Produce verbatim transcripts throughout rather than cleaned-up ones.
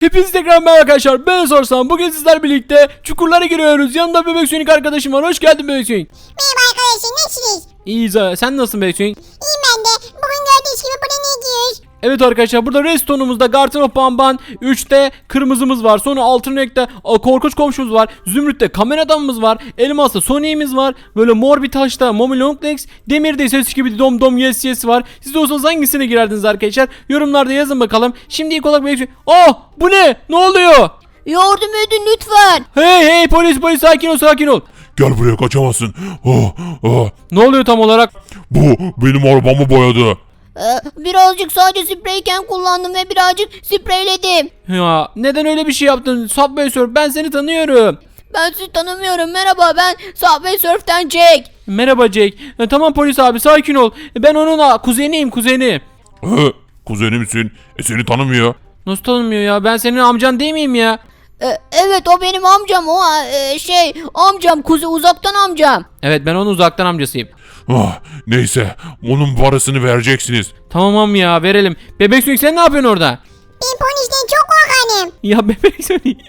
Hepiniz tekrar merhaba arkadaşlar, ben Sorsam. Bugün sizler birlikte çukurlara giriyoruz. Yanımda Bebek Sonic arkadaşım var. Hoş geldin Bebek Sonic. Merhaba arkadaşlar, nasılsınız? İyiyiz ha. Sen nasılsın Bebek Sonic? İyiyim ben de. Bugün gördüğünüz gibi buraya ne giyiyoruz? Evet arkadaşlar, burada restonumuzda Garten of Bamban, üçte kırmızımız var. Sonra altın renkte korkunç komşumuz var. Zümrütte kamera adamımız var. Elmas'ta Sonic'imiz var. Böyle mor bir taşta Momi Longlegs, demirde ses gibi dom dom yes yes var. Siz de olsanız hangisine girerdiniz arkadaşlar? Yorumlarda yazın bakalım. Şimdi ilk olarak Bebek Sonic. Oh, bu ne? Ne oluyor? Yardım edin lütfen. Hey hey, polis polis, sakin ol sakin ol. Gel buraya, kaçamazsın. Oh, oh. Ne oluyor tam olarak? Bu benim arabamı boyadı. Ee, birazcık sadece spreyken kullandım ve birazcık spreyledim. Ya neden öyle bir şey yaptın? Subway Surf, ben seni tanıyorum. Ben sizi tanımıyorum. Merhaba, ben Subway Surf'ten Jack. Merhaba Jake. E, tamam polis abi, sakin ol. E, ben onun a, kuzeniyim kuzeni. He, kuzenimsin. E seni tanımıyor. Nasıl tanımıyor ya? Ben senin amcan değil miyim ya? Ee, evet, o benim amcam. O e, şey amcam, kuzi uzaktan amcam. Evet, ben onun uzaktan amcasıyım. Ah, neyse, onun parasını vereceksiniz. Tamam ya, verelim. Bebek Sonic, sen ne yapıyorsun orada? Ben polisten çok korkarım. Ya Bebek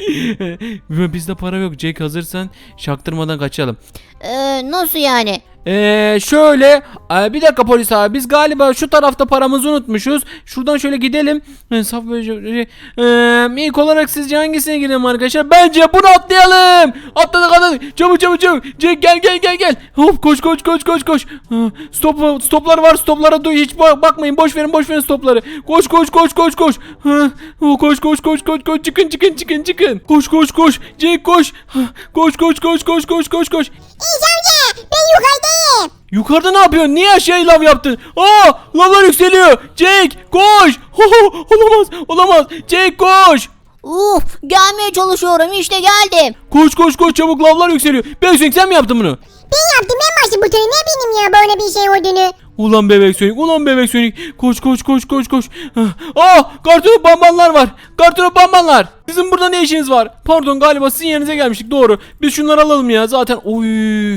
Sonic. Bizde para yok Jake, hazırsan şaktırmadan kaçalım. Ee, nasıl yani? Eee şöyle e, bir dakika polis abi, biz galiba şu tarafta paramızı unutmuşuz. Şuradan şöyle gidelim. Hesap eee ilk olarak sizce hangisine girelim arkadaşlar? Bence bunu atlayalım. Atladık atladık. Çabuk çabuk çabuk. Jack gel gel gel gel. Hop koş koş koş koş koş. Stop stoplar var, stoplara hiç bakmayın. Boş verin boş verin stopları. Koş koş koş koş koş. Koş koş koş koş koş, çıkın çıkın çıkın çıkın. Koş koş koş. Jack koş. Koş koş koş koş koş koş koş. İyiyiz amca, ben yukarıdayım. Yukarıda ne yapıyorsun? Niye aşağıya lav yaptın? Aa, lavlar yükseliyor. Jake koş. Ho, ho, olamaz olamaz. Jake koş. Uf, gelmeye çalışıyorum, işte geldim. Koş koş koş, çabuk, lavlar yükseliyor. Bebek Sonic, sen mi yaptın bunu? Ben yaptım, ben başım bu tarafa, ne bileyim ya böyle bir şey olduğunu. Ulan Bebek Sonic, ulan Bebek Sonic. Koş koş koş koş koş. Aa, kartonu bambanlar var. Kartonu bambanlar. Sizin burada ne işiniz var? Pardon, galiba sizin yerinize gelmiştik, doğru. Biz şunları alalım ya zaten. Oy.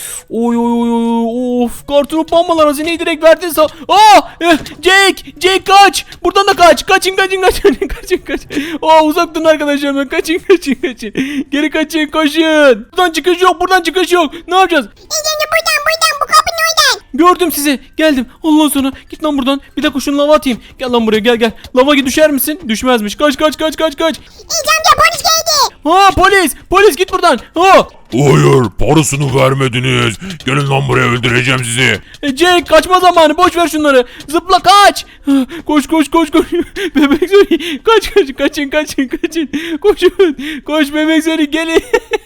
Oy oy oy oy, of, kartonu bambalar hazineyi direkt verdin sa. Aa, eh, Jake, Jake kaç. Buradan da kaç. Kaçın kaçın kaçın kaçın kaçın. Aa, uzak durun arkadaşlar, ben kaçın kaçın kaçın. Geri kaçın, koşun. Buradan çıkış yok, buradan çıkış yok. Ne yapacağız? İyice buradan buradan, bu kapının oradan. Gördüm sizi. Geldim. Allah sana. Git lan buradan. Bir dakika şunu lava atayım. Gel lan buraya, gel gel. Lava git, düşer misin? Düşmezmiş. Kaç kaç kaç kaç kaç. İyice amca, polis geldi. Ha, polis. Polis, git buradan. Ha. Hayır, parasını vermediniz. Gelin lan buraya, öldüreceğim sizi. E, Jake, kaçma zamanı. Boş ver şunları. Zıpla kaç. Ha, koş koş koş koş. Bebek Sonic. Kaç kaç kaçın kaçın kaçın. Koşun. Koş Bebek Sonic, gelin.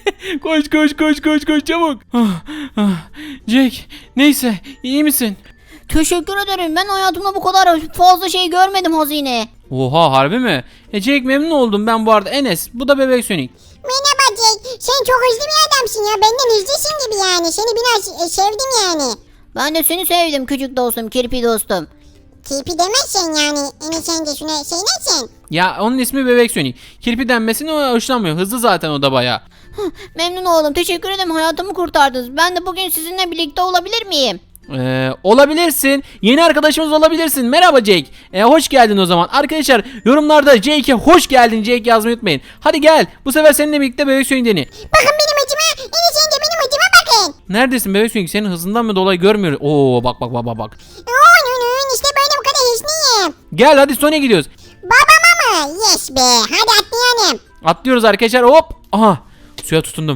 Koş koş koş koş koş çabuk. Ah, ah. Jake, neyse, iyi misin? Teşekkür ederim, ben hayatımda bu kadar fazla şey görmedim, hazine. Oha, harbi mi? E Jake, memnun oldum ben bu arada. Enes, bu da Bebek Sonic. Merhaba Jack, sen çok hızlı bir adamsın ya, benden hızlısın gibi yani. Seni biraz e, sevdim yani. Ben de seni sevdim küçük dostum, kirpi dostum. Tipi demezsen yani, Enes sen de şuna şey nesin? Ya onun ismi Bebek Sonic. Kirpi denmesine o hoşlanmıyor. Hızlı zaten o da bayağı. Memnun oldum, teşekkür ederim, hayatımı kurtardınız. Ben de bugün sizinle birlikte olabilir miyim? Ee, olabilirsin. Yeni arkadaşımız olabilirsin. Merhaba Jake. Ee, hoş geldin o zaman. Arkadaşlar yorumlarda Jake'e hoş geldin Jake yazmayı unutmayın. Hadi gel. Bu sefer seninle birlikte Bebek Sonic deni. Bakın benim acıma, Enes sen de benim acıma bakın. Neredesin Bebek Sonic? Senin hızından mı dolayı görmüyoruz. Oo, bak bak bak bak bak. Onun işte böyle bu kadar hızlıyım. Gel hadi, Sonic'e gidiyoruz. Babama mı? Yes be, hadi atlayalım. Atlıyoruz arkadaşlar. Hop. Aha. Suya tutundum.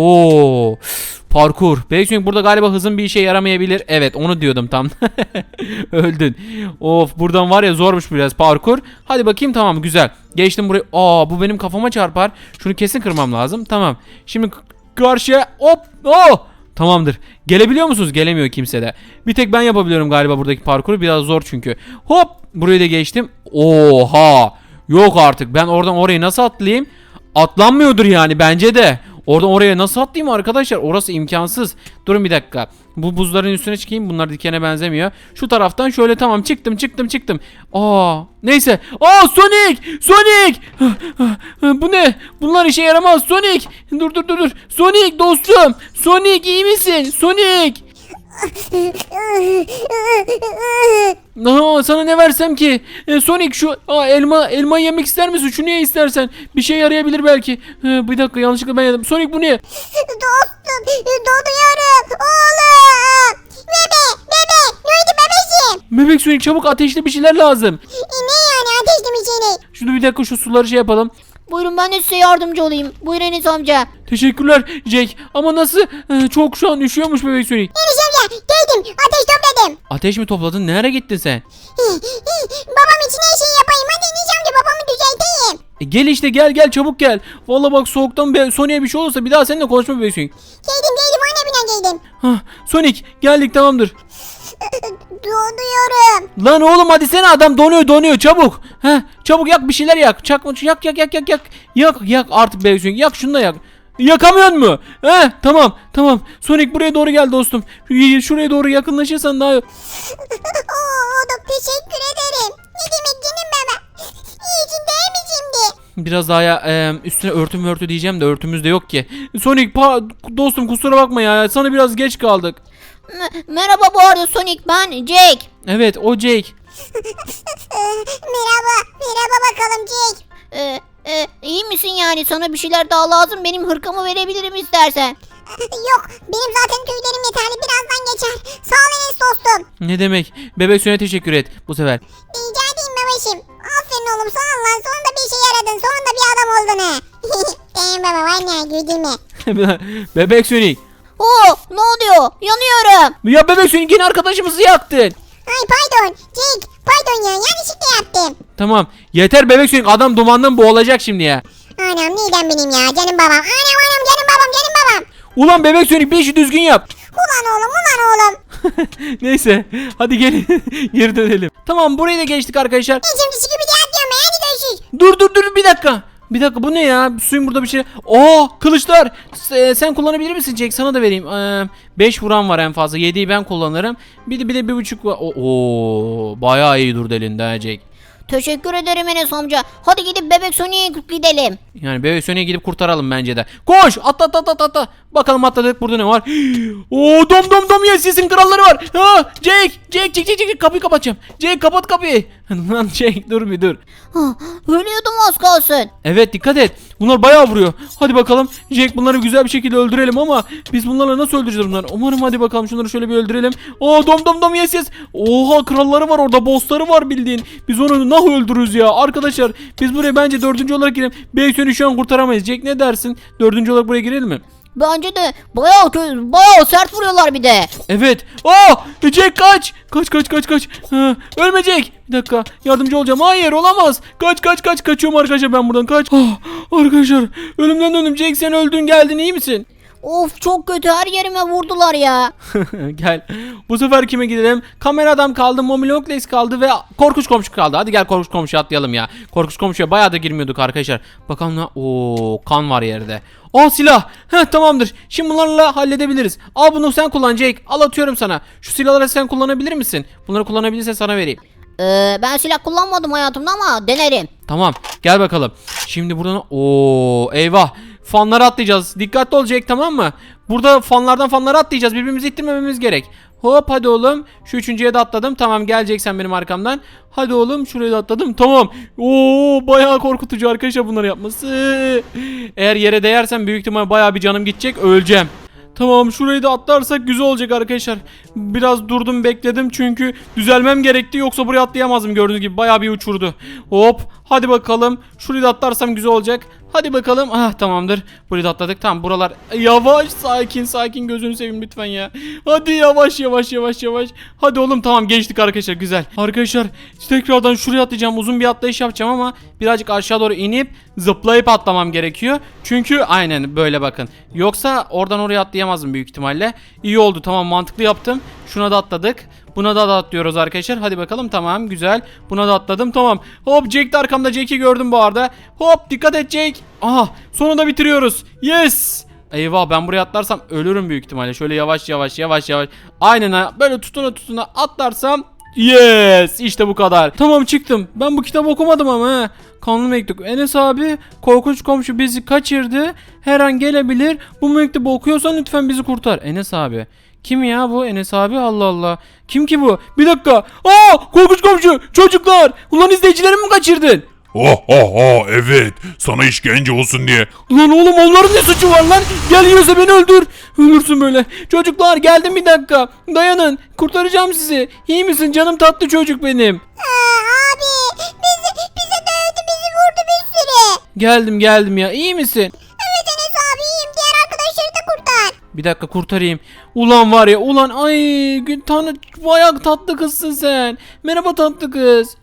Oo. Parkur. Bebek Sonic, burada galiba hızın bir işe yaramayabilir. Evet, onu diyordum tam. Öldün. Of, buradan var ya, zormuş biraz parkur. Hadi bakayım, tamam, güzel. Geçtim burayı. Aa, bu benim kafama çarpar. Şunu kesin kırmam lazım. Tamam. Şimdi karşıya hop. Oh. Tamamdır. Gelebiliyor musunuz? Gelemiyor kimse de. Bir tek ben yapabiliyorum galiba buradaki parkuru. Biraz zor çünkü. Hop. Burayı da geçtim. Oha. Yok artık. Ben oradan oraya nasıl atlayayım? Atlanmıyordur yani, bence de. Oradan oraya nasıl atlayayım arkadaşlar? Orası imkansız. Durun bir dakika. Bu buzların üstüne çıkayım. Bunlar dikene benzemiyor. Şu taraftan şöyle, tamam, çıktım çıktım çıktım. Aa, neyse. Aa, Sonic! Sonic! Bu ne? Bunlar işe yaramaz. Sonic! Dur dur dur dur. Sonic dostum. Sonic, iyi misin? Sonic! Aa, sana ne versem ki? E, Sonic şu aa, elma elma yemek ister misin? Şunu ye istersen. Bir şey yarayabilir belki. E, bir dakika yanlışlıkla ben yedim. Sonic bu ne? Dostum donuyorum oğlum. Bebe bebe neydi bebeğim? Bebek Sonic çabuk ateşli bir şeyler lazım. E, ne yani ateşli mi seni? Şunu bir dakika şu suları şey yapalım. Buyurun ben de size yardımcı olayım. Buyurun Enes amca. Teşekkürler Jack. Ama nasıl? E, çok şu an üşüyormuş Bebek Sonic. Enes amca geldim ateş topladım. Ateş mi topladın? Nereye gittin sen? Babam için her şeyi yapayım hadi Enes amca babamı düzelteyim. E, gel işte gel gel çabuk gel. Vallahi bak soğuktan be, Sonic'e bir şey olursa bir daha seninle konuşma Bebek Sonic. Geldim geldim anne bina geldim. Hah, Sonic geldik tamamdır. Donuyorum. Lan oğlum hadi sen adam donuyor donuyor çabuk. Heh, çabuk yak bir şeyler yak. Çak yak yak yak yak yak. Yak yak artık Bebek Sonic yak şunu da yak. Yakamıyor mu? He tamam tamam. Sonic buraya doğru gel dostum. Şu- Şuraya doğru yakınlaşırsan daha Oo, oğlum teşekkür ederim. Ne demek canım baba? İyisin değil mi şimdi? biraz daha ya, e, üstüne örtüm örtü diyeceğim de örtümüz de yok ki. Sonic pa- dostum kusura bakma ya. Sana biraz geç kaldık. M- merhaba bu arada Sonic, ben Jack. Evet o Jake. Merhaba. Merhaba bakalım Jake. Ee, e, iyi misin yani? Sana bir şeyler daha lazım. Benim hırkamı verebilirim istersen. Yok benim zaten tüylerim yeterli birazdan geçer. Sağ ol Enes dostum. Ne demek? Bebek Sonic'e teşekkür et bu sefer. Rica edeyim babacığım. Aferin oğlum sağ ol lan. Sonunda bir işe yaradın. Sonunda bir adam oldun ha. Benim baba var ya güldürme. Bebek Sonic. Oo, ne oluyor? Yanıyorum. Ya Bebek Sonic yine arkadaşımızı yaktın. Ay pardon Jake. Pardon ya yanlışlıkla yaptım. Tamam yeter Bebek Sonic adam dumandan boğulacak şimdi ya. Anam neden benim ya canım babam. Anam anam canım babam canım babam. Ulan Bebek Sonic bir işi düzgün yap. Ulan oğlum ulan oğlum. Neyse hadi gelin geri dönelim. Tamam burayı da geçtik arkadaşlar. Ben şimdi sıkı bir de atıyorum ben hadi görüşürüz. Dur dur dur bir dakika. Bir dakika bu ne ya? Suyun burada bir şey. Oo kılıçlar. S- sen kullanabilir misin Jack? Sana da vereyim. beş vuran var en fazla. yediyi ben kullanırım. Bir de bir de bir buçuk var. Oo bayağı iyi durdu elinde ha Jack. Teşekkür ederim Enes amca. Hadi gidip Bebek Sonic'e gidelim. Yani Bebek Sonic'e gidip kurtaralım bence de. Koş! Atla atla atla atla. Bakalım atladık burada ne var? Oo dom dom dom yes yesin kralları var. Ha Jake! Jake Jake Jake Jake kapıyı kapatacağım. Jake kapat kapıyı. Lan Jake dur bir dur. Ah, ölüyordum az kalsın. Evet dikkat et. Bunlar bayağı vuruyor. Hadi bakalım. Jake bunları güzel bir şekilde öldürelim ama biz bunlarla nasıl öldüreceğiz bunları? Umarım hadi bakalım şunları şöyle bir öldürelim. Aa dom dom dom yes yes. Oha kralları var orada. Bossları var bildiğin. Biz onu nasıl öldürürüz ya? Arkadaşlar biz buraya bence dördüncü olarak girelim. Beysun'u şu an kurtaramayız. Jake ne dersin? Dördüncü olarak buraya girelim mi? Bence de bayağı kö- bayağı sert vuruyorlar bir de. Evet. Aa! Jack kaç! Kaç kaç kaç kaç. Ha, ölme Jack. Bir dakika. Yardımcı olacağım. Hayır olamaz. Kaç kaç kaç. Kaçıyorum arkadaşlar ben buradan kaç. Ah, arkadaşlar ölümden döndüm. Jack sen öldün geldin iyi misin? Of çok kötü, her yerime vurdular ya. Gel. Bu sefer kime gidelim? Kamera adam kaldı, Momilokles kaldı ve korkunç komşu kaldı. Hadi gel korkunç komşuya atlayalım ya. Korkunç komşuya bayağı da girmiyorduk arkadaşlar. Bakalım ne? Oo, kan var yerde. Aa silah. Heh tamamdır. Şimdi bunlarla halledebiliriz. Al bunu sen kullan Jake. Al atıyorum sana. Şu silahları sen kullanabilir misin? Bunları kullanabilirsen sana vereyim. Ee, ben silah kullanmadım hayatımda ama denerim. Tamam. Gel bakalım. Şimdi buradan oo eyvah. Fanlara atlayacağız. Dikkatli olacak tamam mı? Burada fanlardan fanlara atlayacağız. Birbirimizi ittirmememiz gerek. Hop hadi oğlum. Şu üçüncüye de atladım. Tamam geleceksen benim arkamdan. Hadi oğlum şuraya da atladım. Tamam. Oo bayağı korkutucu arkadaşlar bunları yapması. Eğer yere değersem büyük ihtimal bayağı bir canım gidecek. Öleceğim. Tamam şurayı da atlarsak güzel olacak arkadaşlar. Biraz durdum bekledim çünkü düzelmem gerekti yoksa buraya atlayamazdım gördüğünüz gibi bayağı bir uçurdu. Hop hadi bakalım şurayı da atlarsam güzel olacak. Hadi bakalım. Ah tamamdır. Burayı da atladık. Tamam buralar yavaş sakin sakin gözünü seveyim lütfen ya. Hadi yavaş yavaş yavaş yavaş. Hadi oğlum tamam geçtik arkadaşlar güzel. Arkadaşlar tekrardan şuraya atlayacağım. Uzun bir atlayış yapacağım ama birazcık aşağı doğru inip zıplayıp atlamam gerekiyor. Çünkü aynen böyle bakın. Yoksa oradan oraya atlayamazdım büyük ihtimalle. İyi oldu tamam mantıklı yaptım. Şuna da atladık. Buna da, da atlıyoruz arkadaşlar. Hadi bakalım tamam güzel. Buna da atladım tamam. Hop Jake de arkamda. Jake'i gördüm bu arada. Hop dikkat et Jake. Aha sonunda bitiriyoruz. Yes. Eyvah ben buraya atlarsam ölürüm büyük ihtimalle. Şöyle yavaş yavaş yavaş yavaş. Aynen ha böyle tutuna tutuna atlarsam. Yes işte bu kadar. Tamam çıktım. Ben bu kitabı okumadım ama he. Kanlı mektup. Enes abi korkunç komşu bizi kaçırdı. Her an gelebilir. Bu mektubu okuyorsan lütfen bizi kurtar. Enes abi Kim ya bu Enes abi? Allah Allah. Kim ki bu? Bir dakika. Aa, korkunç komşu. Çocuklar. Ulan izleyicilerimi mi kaçırdın? Oh oh oh evet. Sana işkence olsun diye. Ulan oğlum onların ne suçu var lan? Gel yiyorsa beni öldür. Ölürsün böyle. Çocuklar geldim bir dakika. Dayanın. Kurtaracağım sizi. İyi misin canım tatlı çocuk benim? Aa, abi bizi, bize dövdü bizi vurdu bir sürü. Geldim geldim ya. İyi misin? Evet Enes abi iyiyim diğer arkadaşları da kurtar. Bir dakika kurtarayım. Ulan var ya ulan ay gün tane bayağı tatlı kızsın sen. Merhaba tatlı kız.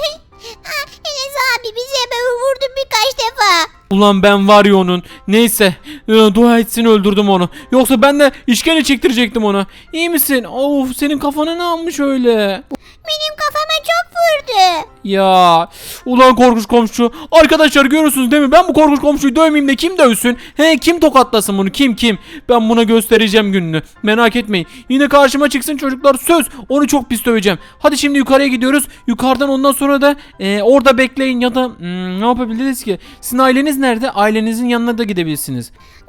Aa, Enes abi bizi böyle vurdu birkaç defa. Ulan ben var ya onun. Neyse. e, Dua etsin öldürdüm onu. Yoksa ben de işkence çektirecektim onu. İyi misin? Of senin kafana ne yapmış öyle? Benim kafama çok vurdu. Ya ulan korkunç komşu. Arkadaşlar görüyorsunuz değil mi? Ben bu korkunç komşuyu dövmeyeyim de kim dövsün? He kim tokatlasın bunu? Kim kim? Ben buna göstereceğim gününü. Merak etmeyin. Yine karşıma çıksın çocuklar söz. Onu çok pis döveceğim. Hadi şimdi yukarıya gidiyoruz. Yukarıdan ondan sonra da e, orada bekleyin ya da hmm, ne yapabiliriz ki? Sizin aileniz nerede? Ailenizin yanına da gidebilirsiniz.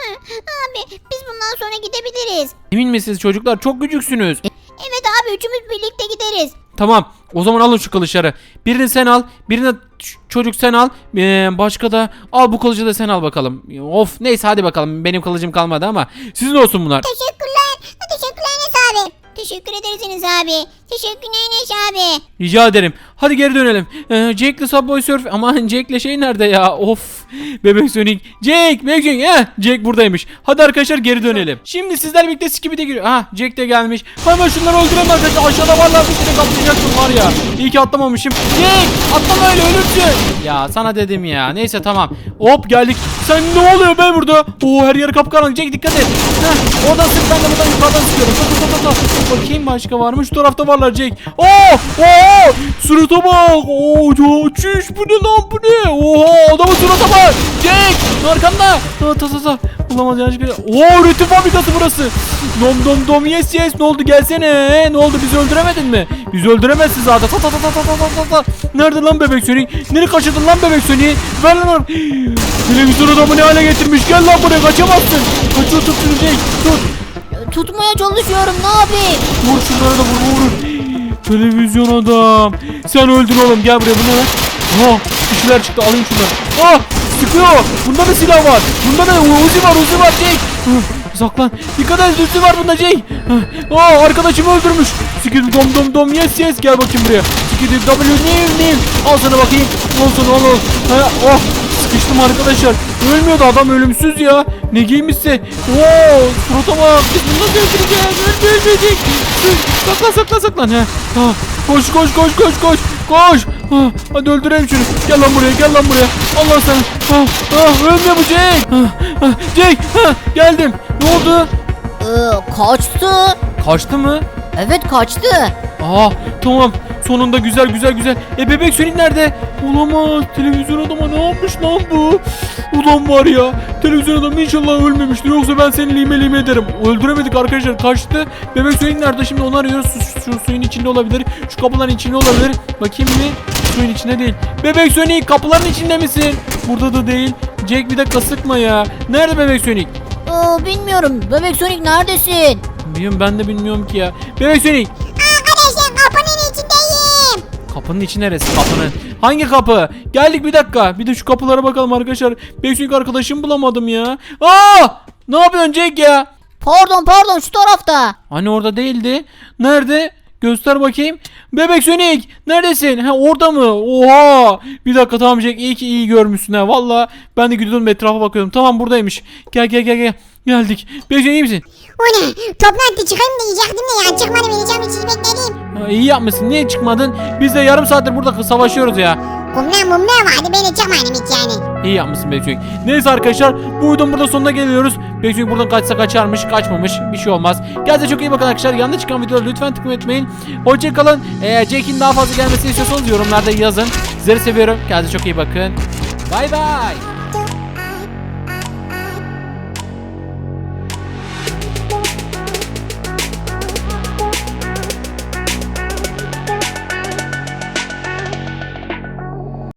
Abi biz bundan sonra gidebiliriz. Emin misiniz çocuklar? Çok küçüksünüz. Evet abi üçümüz birlikte gideriz. Tamam. O zaman alın şu kılıçları. Birini sen al. Birini ç- çocuk sen al. Ee, başka da al bu kılıcı da sen al bakalım. Of neyse hadi bakalım. Benim kılıcım kalmadı ama sizin olsun bunlar. Teşekkürler. Teşekkürler Enes abi. Teşekkür ederiz Enes abi. Teşekkürler Enes abi. Rica ederim. Hadi geri dönelim. Ee, Jack'le Subway Surf. Aman Jack'le şey nerede ya? Of. Bebek Sonic. Jack. Bebek Sonic. Heh. Jack buradaymış. Hadi arkadaşlar geri dönelim. Şimdi sizler birlikte Skibidi giriyor. Ha Jack de gelmiş. Hemen şunları öldüremem arkadaşlar. Aşağıda varlar bir sürü kaplayacaksın var ya. İyi ki atlamamışım. Jack. Atlama öyle ölürsün. Ya sana dedim ya. Neyse tamam. Hop geldik. Sen ne oluyor be burada? Oo her yer kapkaranlık. Jack dikkat et. Heh. Oradan sık ben de buradan yukarıdan sıkıyorum. Tut tut tut tut. Bakayım başka var mı? Şu tarafta varlar Jack. Oo! Oo! Surata bak. Oo, ya, çüş bu ne lan bu ne? Oha adamın surata bak. Jack arkanda. Ha ta ta ta. Bulamaz yanlış. Oo üretim fabrikası burası. Dom dom dom yes yes. Ne oldu gelsene. Ne oldu bizi öldüremedin mi? Bizi öldüremezsin zaten. Ta ta ta ta ta ta ta ta. Nerede lan bebek Sonic? Nereye kaçırdın lan bebek Sonic'i? Ver lan. Televizyon adamı ne hale getirmiş? Gel lan buraya kaçamazsın. Kaçıyor tut şunu Jack. Tut. Tutmaya çalışıyorum ne yapayım? Vur şunları da vur vur. Televizyon adam. Sen öldür oğlum gel buraya bu ne lan? Ha bir şeyler çıktı alayım şunları. Ah sıkıyor. Bunda da silah var. Bunda da Uzi var Uzi var Jake. Hı, saklan. Dikkat et Uzi var bunda Jake. Aa arkadaşımı öldürmüş. Sikidi dom dom dom yes yes gel bakayım buraya. Sikidi W name name. Al sana bakayım. Al sana al al. Ha, oh sıkıştım arkadaşlar. Ölmüyordu adam ölümsüz ya. Ne giymişse. Oo surata bak. Biz bunu nasıl öldüreceğiz? Öldürecek. Saklan saklan saklan. Ha, ha. Koş koş koş koş koş. Koş. Ha, hadi öldürelim şunu. Gel lan buraya gel lan buraya. Allah sana. Ha, ha, ölmüyor bu Jake. Ha, ha, Jake. Ha, geldim. Ne oldu? Ee, kaçtı. Kaçtı mı? Evet kaçtı. Aa tamam. Sonunda güzel güzel güzel. E bebek Sonic nerede? Olamaz. Televizyon adama ne yapmış lan bu? Ulan var ya. Televizyon adam inşallah ölmemiştir. Yoksa ben seni lime lime ederim. Öldüremedik arkadaşlar. Kaçtı. Bebek Sonic nerede? Şimdi onu arıyoruz. Şu, şu suyun içinde olabilir. Şu kapıların içinde olabilir. Bakayım mı? Suyun içinde değil. Bebek Sonic kapıların içinde misin? Burada da değil. Jack bir dakika sıkma ya. Nerede Bebek Sonic? Ee, bilmiyorum. Bebek Sonic neredesin? Bilmiyorum ben de bilmiyorum ki ya. Bebek Sonic. Arkadaşlar kapının içindeyim. Kapının içi neresi? Kapının. Hangi kapı? Geldik bir dakika. Bir de şu kapılara bakalım arkadaşlar. Beksik arkadaşımı bulamadım ya. Aa! Ne yapıyorsun Jack ya? Pardon pardon şu tarafta. Hani orada değildi. Nerede? Göster bakayım. Bebek Sonic neredesin? Ha orada mı? Oha! Bir dakika tamam Jack iyi ki iyi görmüşsün ha. Valla ben de gidiyordum etrafa bakıyordum. Tamam buradaymış. Gel gel gel gel. Geldik. Bebek Sonic iyi misin? O ne? Toplantı çıkayım da yiyecektim de ya. Çıkmadı beni cam içini bekledim. Ha, iyi yapmışsın. Niye çıkmadın? Biz de yarım saattir burada savaşıyoruz ya. Kumlar mumlar vardı beni çıkmadım hiç yani. İyi yapmışsın Bekçoyuk. Neyse arkadaşlar bu videonun burada sonuna geliyoruz. Bekçoyuk buradan kaçsa kaçarmış kaçmamış bir şey olmaz. Kendinize çok iyi bakın arkadaşlar. Yanında çıkan videoları lütfen tıklamayı unutmayın. Hoşçakalın. Eğer Jack'in daha fazla gelmesini istiyorsanız yorumlarda yazın. Sizleri seviyorum. Kendinize çok iyi bakın. Bay bay.